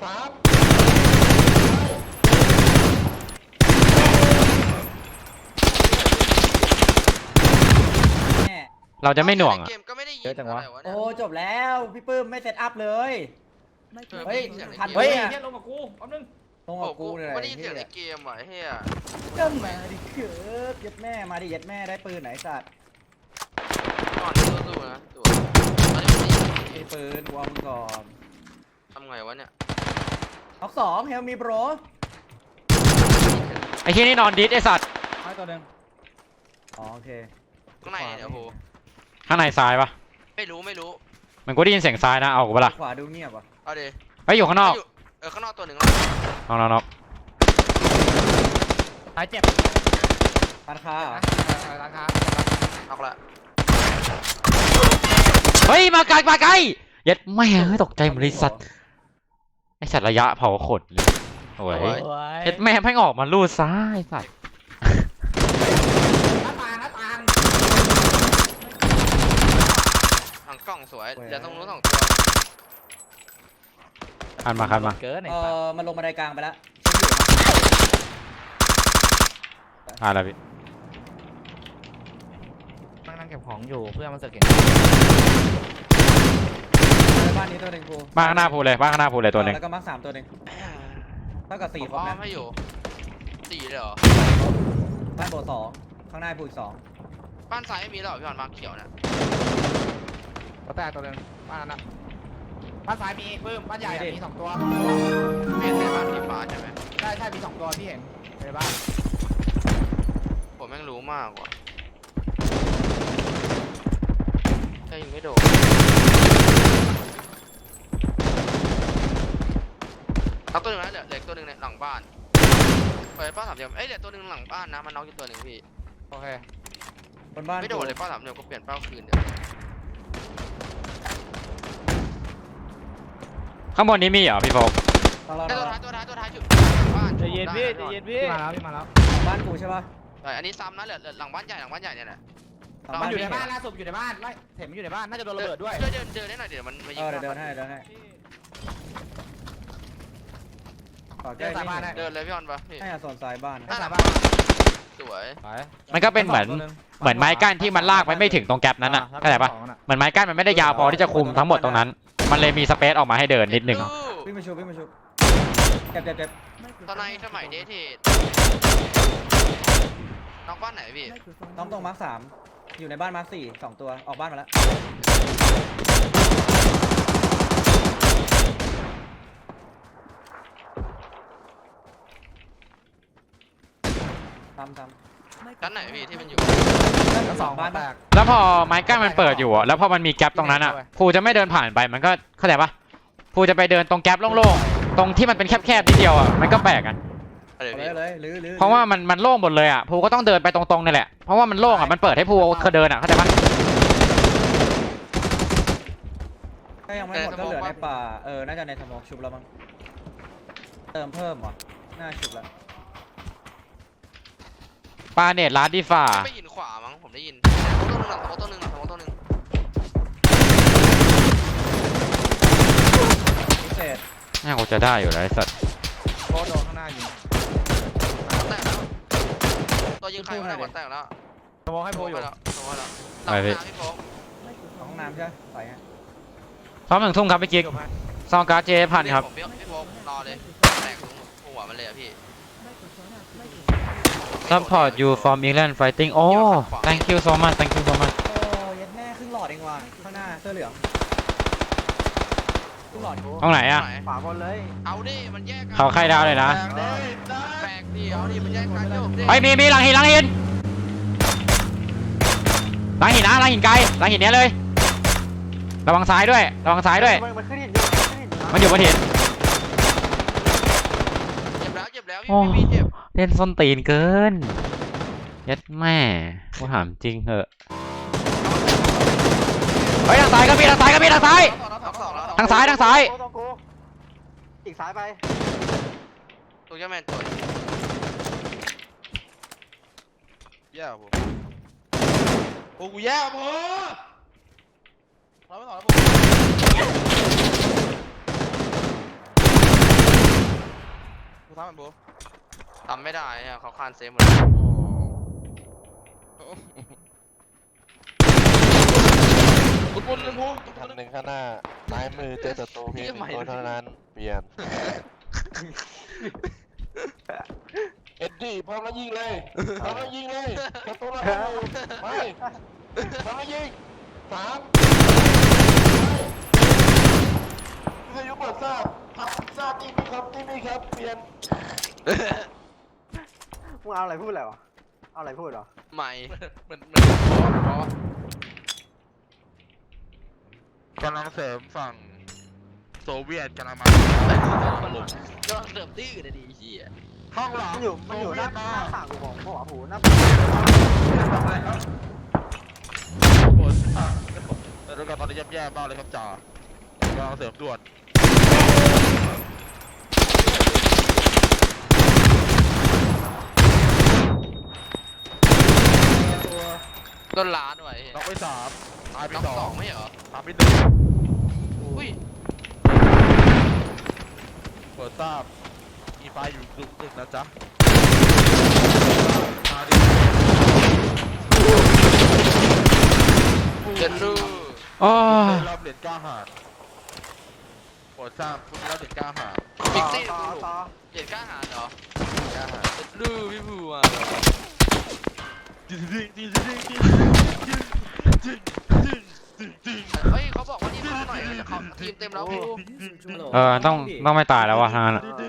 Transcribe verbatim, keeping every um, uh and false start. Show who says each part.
Speaker 1: สาม
Speaker 2: เราจะไม่หน่วงอ่ะ
Speaker 3: เกมก็ไม่ได้ยิน
Speaker 4: เยอะจังวะ
Speaker 3: อะไร
Speaker 5: โอ้จบแล้วพี่ปื้มไม่เซตอัพเลย เฮ้ยทัน
Speaker 4: เฮ้ย
Speaker 5: เนี่ย
Speaker 4: เฮียลงกับกูแป๊บนึง
Speaker 5: ลง
Speaker 3: โอ้
Speaker 5: กับ
Speaker 3: กู
Speaker 5: กูเนี่ย
Speaker 3: ไม่ได้ยินเสียงในเกมว่ะเฮีย
Speaker 5: เจ้ามาดิเกิดยัดแม่มาดิยัดแม่ได้ปืนไหนสัตว์
Speaker 3: ก่อนสู้ๆนะตัวตอนนี้ไม่ได้ยิน
Speaker 5: ไอ้ปืนกูเอามึงก่อน
Speaker 3: ทำไงวะเนี่ย
Speaker 5: ท็อกสองเฮลมีโบร
Speaker 2: ไอ้ที่นี่นอนดิสไอ้สัตว์
Speaker 4: ไม้ตัวหนึ่ง
Speaker 5: อ๋อโอเค
Speaker 3: ข้างในเดี๋ยวโห
Speaker 2: ข้างในซ้ายปะ
Speaker 3: ไม่รู้ไม่รู้
Speaker 2: มันกูได้ยินเสียงซ้ายนะเอากูเปะล่า
Speaker 5: ขวาดูเงียบว่ะ
Speaker 3: เอาดิ
Speaker 2: ไปอยู่ข้างนอก
Speaker 3: เออข้างนอกตัวหนึ่ง
Speaker 2: นอกนอกนอก
Speaker 4: หายเจ็บ
Speaker 5: ร้านค้าเหรอ
Speaker 4: ร้านค้า
Speaker 3: เอาละ
Speaker 2: เฮ้ยมาไกลมาไกลยัดแม่งตกใจหมดเลยสัตว์ไอ้สัตว์ระยะเผาขนเลยโอ้ยยัดแม่แม่งออกมาลูดซ้ายสัตว์
Speaker 4: หน้าต่างหน้าต่าง
Speaker 3: ทางกล้องสวยเดี๋ยวต้องรู้สองตัว
Speaker 2: คันมาคันมา
Speaker 4: เกินไอ้
Speaker 5: เอ
Speaker 4: สัส
Speaker 5: อมันลงบันไดกลางไปแล้ว
Speaker 2: อ่าแล้วพี่
Speaker 4: นั่งนั่งเก็บของอยู่เพื่อมันเสกเห็น
Speaker 5: ในบ้านนี้ตัวหนึ่งกู
Speaker 2: บ้านข้างหน้าพูเลยบ้านข้างหน้าพูเลยตัวหนึ่ง
Speaker 5: แล้วก็มาร์คสามตัวหนึ่งเท่ากับสี่
Speaker 3: ผม
Speaker 5: คน
Speaker 3: อ้อ
Speaker 5: นะ
Speaker 3: มให้อยู่สี่เลยเหรอ
Speaker 5: บ้านโบสองข้างหน้าพูอีกสอง
Speaker 3: บ้านซ้ายไม่มีหรอพี่หอนมาเขียวนะ
Speaker 4: ก็แตกตัวหนึ่งบ้านนั้นนะบ้านซ้ายมีเพิ่มบ้านใหญ่มีสองตัว
Speaker 3: ไม่เห็นในบ้านสีฟ้าใช่ไหม
Speaker 4: ใช่ใช่มีสองตัวพี่เห็นในบ้าน
Speaker 3: ผมแม่งรู้มากกว่าแค่ยิงไม่โดนเอาตัวหนึ่งนะเหลือเหลือตัวหนึ่งในหลังบ้านเปิดป้าสามเหลี่ยมเอ้ยเหลือตัวหนึ่งหลังบ้านนะมันน็อกอยู่ตัวหนึ่งพี่
Speaker 4: โอเค
Speaker 5: บนบ้าน
Speaker 3: ไม่โดนเลยป้าสามเหลี่ยมก็เปลี่ยนเป้าคืนเดี๋ยว
Speaker 2: ข้างบนนี้มีเหรอพี่โฟก
Speaker 5: ต้องรอ
Speaker 3: ไอ้
Speaker 5: ร
Speaker 3: ตัว
Speaker 5: อ
Speaker 3: ท้ายตัวท้ายตัวท้ายจุดบ้าน
Speaker 4: ใจเย็นพี่ใจเย็นพี่มาแล้วพี่มาแล้ว
Speaker 5: บ้านกูใช่ป่ะ
Speaker 3: ใช่อันนี้ซ้ำนะเหลือเหลือหลังบ้านใหญ่หลังบ้านใหญ่เนี่ยแหละ
Speaker 5: หลัง
Speaker 4: มัน
Speaker 5: บ้าน
Speaker 4: อยู่ใน
Speaker 5: พี่
Speaker 4: บ้านล่าสุดอยู่ในบ้านไล่เห็นมันอยู่ในบ้านน่าจะโดนระเบิดด้วย
Speaker 3: ช่วยเดินเดินได้หน่อยเดี๋ยวมันมายิ
Speaker 5: เอง อเดี๋ยวเดินให้เดินให้ต่อใกล้พี่
Speaker 3: เดินเลยพี่ออนปะพี่
Speaker 5: ให้อาโซนซ้ายบ้าน
Speaker 3: หน้า
Speaker 4: สา
Speaker 3: หลัง
Speaker 4: บ้าน
Speaker 3: สวย
Speaker 2: มันก็เป็นเหมือนเหมือนไม้กั้นที่มันลากไปไม่ถึงตรงแกลบนั้นอ่ะเข้าใจปะเหมือนไม้กั้นมันไม่ได้ยาวพอที่จะคุมทั้งหมดตรงนั้น มันเลยมีสเปซออกมาให้เดินนิดนึง
Speaker 5: วิ่งมาชุบวิ่งมาชุบเจ็บเจ็บเจ็บ
Speaker 3: ตอนในสมัยเดทเทดน้องบ้านไหนพี่
Speaker 5: ต้องตรงมาร์คสามอยู่ในบ้านมาร์คสี่สองตัวออกบ้านมาแล้วตามตาม
Speaker 3: ชั้นไหนพี่ที่มันอยู่
Speaker 4: ทั้งสองบ้านแตก
Speaker 2: แล้วพอไม้กั้นมันเปิดอยู่อะแล้วพอมันมีแกลบตรงนั้นอะภูจะไม่เดินผ่านไปมันก็เข้าใจปะภูจะไปเดินตรงแกลบโล่งๆตรงที่มันเป็นแคบๆนิดเดียวอะมันก็แปลกอะ
Speaker 3: อะไร
Speaker 5: เอา
Speaker 3: พี่
Speaker 5: เลยเลยหรือหรือ
Speaker 2: เพราะว่ามันมันโล่งหมดเลยอะภูก็ต้องเดินไปตรงๆนี่แหละเพราะว่ามันโล่งอะมันเปิดให้ภูเขาเดินอะเข้าใจปะ
Speaker 5: ถ้ายังไม่หมดก็เหลือในป่าเออน่าจะในสมองชุบแล้วมั้งเติมเพิ่มเหรอน่าชุบแล้ว
Speaker 2: ปาเนตร้านดีฝ่า
Speaker 3: ไม่ยินขวามั้งผมได้ยินโมตัวหนึ่งหลังโมตัวหนึ่งหลังโมตัวหนึ่ง
Speaker 5: พิเศษ
Speaker 2: น่ากูจะได้อยู่แล้วไอ้สัตว์
Speaker 4: โคโดนข้างหน้ายิง
Speaker 3: หัวแตกแล้วตัวยิงใครวะเนี่ยหัวแตกแล้ว
Speaker 4: สมองให้โพอยู่
Speaker 3: แล้วสมมติแล้วหลังน้ำพี่โฟก
Speaker 5: ของห้องน้ำใช่ไหมไปฮะ
Speaker 2: ซ้อมหนึ่งทุ่มครับพี่กิ๊กซองการ์ดเจพันครับ
Speaker 3: ผมพี่โฟกรอเลยแตกหัวมันเลยอะพี่
Speaker 2: support you from England fighting โอ้ thank you so much thank you so much
Speaker 5: โอ้ยัดแม่ครึ่งหลอดเองว่ะข้างหน้าเสื้อเหลืองครึ่งหลอดกู
Speaker 2: ตรงไหนอะ
Speaker 4: ขวาบนเลย
Speaker 3: เอาดิมันแยกกัน
Speaker 2: เขาใครดาวเลยนะ
Speaker 3: แบกดิเอาดิมันแยกกันโยกดิ
Speaker 2: ไอ้ยมีมีหลังหินหลังหินหลังหินนะหลังหินไกลหลังหินเนี้ยเลยระวังซ้ายด้วยระวังซ้ายด้วย
Speaker 1: มันขึ้นหินอยู่
Speaker 2: มันอยู่บนหิน
Speaker 3: เจ็บแล้วเจ็บแล้ว
Speaker 2: โอ้
Speaker 3: พี่พี่เจ็บ
Speaker 2: เล่นส้นตีนเกินยัดแม่กูถามจริงเหอะเฮ้ยทางซ้ายก็มีทางซ้ายก็มีทางซ้าย ทางซ้ายทางซ้าย
Speaker 1: ตรงกูอีกซ้ายไป
Speaker 3: ตัวแกแมนตัวแย่ผมโอ้กูแย่ผมเราไม่ต่อแล้วผม
Speaker 6: กูซ้ำมันโบ
Speaker 3: ทำไม่ได้อะเขาคานเซฟหมดเลย
Speaker 6: โอ้กูบนเลยโบ
Speaker 7: คันหนึ่งข้างหน้าซ้ายมือเจอศัตรูเพียงหนึ่งคนเท่านั้นเปลี่ยนเอ็ดดี้พร้อมแล้วยิงเลยพร้อมแล้วยิงเลยศัตรูเราอยู่ไปพร้อมแล้วยิงสามวิทยุเปิดทราบทราบนี่มีครับนี่มีครับเปลี่ยน
Speaker 1: มึงเอาอะไรพูดอะไรวะเอาอะไรพูดเหรอ
Speaker 3: ใหม่
Speaker 6: เหมือนเหมือนบอสบอสกำลังเสริมฝั่งโซเวียตกำลังมา
Speaker 3: ก็ลองเสิร์ฟดื้อเลยดิเฮีย
Speaker 6: ห้องหลัง
Speaker 1: มันอยู่
Speaker 6: โซ
Speaker 1: มันอยู่ห
Speaker 6: เวีย
Speaker 1: น้า
Speaker 6: ต
Speaker 1: ห
Speaker 6: มา
Speaker 1: น้าต่างกูบอกบอกว่าหูหน้า
Speaker 6: โอ้ยแต่ดูกันตอนนี้แย่ๆมากเลยครับจ่ากำลังเสริมด่วน
Speaker 3: ต้นล้านไว้
Speaker 6: น็อกไปสามตายไป
Speaker 3: น้อง
Speaker 6: สอ
Speaker 3: สอง งไม่เหรอ
Speaker 6: ตายไปหนึ่ง
Speaker 3: อุ้ย
Speaker 6: เปิดทราบมีไฟอยู่กลุ่มหนึ่งนะจ๊ะมาดิ
Speaker 3: เจนรู
Speaker 2: โอ้
Speaker 6: ได้รับเหรียญกล้าหาญโปรดทราบคุณได้รับเหรียญกล้าหาญ
Speaker 3: พิกซี่
Speaker 1: ต่อต่อ
Speaker 3: เด็ดกล้าหาญเหรอก
Speaker 6: ล้าหาญ
Speaker 3: เจนรูพี่ภูอ่ะ
Speaker 6: จริงจริงจริงจริงจริงจริงจริงจริงจริง
Speaker 3: เฮ้ยเขาบอกว่านี่เข้าหน่อยเขาทีมเต็มแล้วพี่ภู
Speaker 2: เออต้องต้องไม่ตายแล้ววะทางนั้นอะ
Speaker 1: เออ